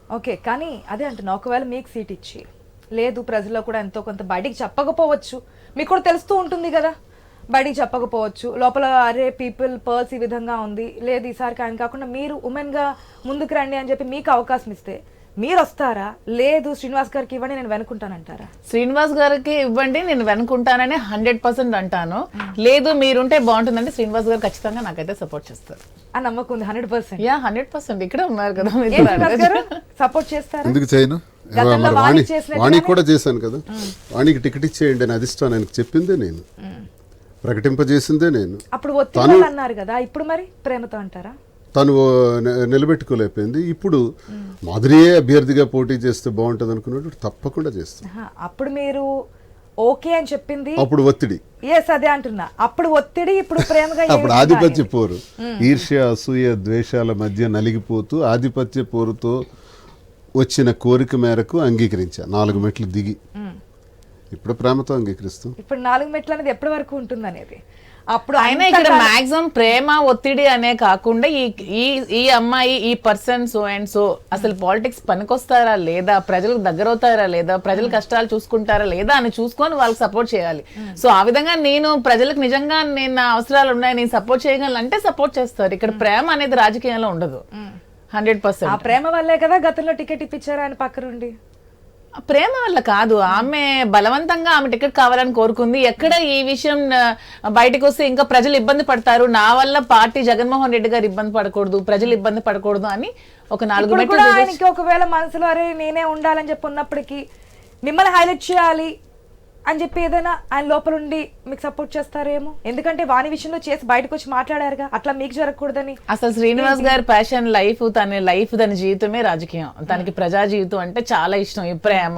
Okay, కానీ అదే అంటున్నా, ఒకవేళ మీకు సీట్ ఇచ్చి లేదు ప్రజల్లో కూడా ఎంతో కొంత బయటికి చెప్పకపోవచ్చు, మీకు కూడా తెలుస్తూ ఉంటుంది కదా, బయటికి చెప్పకపోవచ్చు లోపల, అరే పీపుల్ పర్స్ ఈ విధంగా ఉంది, లేదు ఈసారికి ఆయన కాకుండా మీరు ఉమెన్ గా ముందుకు రండి అని చెప్పి మీకు అవకాశం ఇస్తే మీరు వస్తారా, లేదు శ్రీనివాస్ గారికి ఇవ్వండి నేను వెనుకుంటానంటారా? శ్రీనివాస్ గారికి ఇవ్వండి నేను వెనుకుంటానని 100% అంటాను. లేదు మీరుంటే బాగుంటుందంటే శ్రీనివాస్ గారు ఖచ్చితంగా నాకైతే సపోర్ట్ చేస్తారు. ఆ నమ్మకం ఉంది 100%. యా 100% ఇక్కడ ఉన్నారు కదా సపోర్ట్ చేస్తారా? ఎందుకు చేయను? వాణి కూడా చేశాను కదా, వాణికి టికెట్ ఇచ్చేయండి అని అధిష్టానం ఆయనకు చెప్పిందే నేను, ప్రకటింపజేసిందే నేను. అప్పుడు ఒత్తిడి అన్నారు కదా, ఇప్పుడు మరి ప్రేమతో అంటారా? తను నిలబెట్టుకోలేకపోయింది. ఇప్పుడు మాధురియే అభ్యర్థిగా పోటీ చేస్తే బాగుంటుంది అనుకున్నట్టు తప్పకుండా చేస్తాను. అప్పుడు మీరు ఓకే అని చెప్పింది, అప్పుడు ఒత్తిడి. ఎస్ అదే అంటున్నా, అప్పుడు ఒత్తిడి, ఇప్పుడు ప్రేమగా. అప్పుడు ఆధిపత్య పోరు, ఈర్ష్య అసూయ ద్వేషాల మధ్య నలిగిపోతూ ఆధిపత్య పోరుతో వచ్చిన కోరిక మేరకు అంగీకరించా, 4 మెట్లు దిగి. ఇప్పుడు ప్రేమతో అంగీకరిస్తాం. ఇప్పుడు 4 మెట్లు అనేది ఎప్పటి వరకు ఉంటుంది అనేది అప్పుడు ఆయన ఇక్కడ మాక్సిమం ప్రేమ ఒత్తిడి అనే కాకుండా ఈ అమ్మాయి ఈ పర్సన్ సో అండ్ సో అసలు పాలిటిక్స్ పనికొస్తారా లేదా, ప్రజలకు దగ్గర అవుతారా లేదా, ప్రజల కష్టాలు చూసుకుంటారా లేదా అని చూసుకొని వాళ్ళకి సపోర్ట్ చేయాలి. సో ఆ విధంగా నేను ప్రజలకు నిజంగా నేను నా అవసరాలు ఉన్నాయి నేను సపోర్ట్ చేయగలను అంటే సపోర్ట్ చేస్తారు. ఇక్కడ ప్రేమ అనేది రాజకీయంలో ఉండదు. 100%. ఆ ప్రేమ వల్లే కదా గతంలో టికెట్ ఇప్పించారు ఆయన పక్కనుండి. ప్రేమ వల్ల కాదు, ఆమె బలవంతంగా ఆమె టికెట్ కావాలని కోరుకుంది. ఎక్కడ ఈ విషయం బయటకు వస్తే ఇంకా ప్రజలు ఇబ్బంది పడతారు, నా వల్ల పార్టీ జగన్మోహన్ రెడ్డి గారు ఇబ్బంది పడకూడదు, ప్రజలు ఇబ్బంది పడకూడదు అని ఒక 4 మెట్లు. ఆయనకి ఒకవేళ మనసులో అరే నేనే ఉండాలని చెప్పి ఉన్నప్పటికీ మిమ్మల్ని హైలైట్ చేయాలి అని చెప్పి ఏదైనా ఆయన లోపల ఉండి మీకు సపోర్ట్ చేస్తారేమో, ఎందుకంటే వాణి విషయంలో చేసి బయటకు వచ్చి మాట్లాడారుగా, అట్లా మీకు జరగకూడదని. అసలు శ్రీనివాస్ గారి ప్యాషన్ లైఫ్, తన జీవితమే రాజకీయం, తనకి ప్రజా జీవితం అంటే చాలా ఇష్టం. ఈ ప్రేమ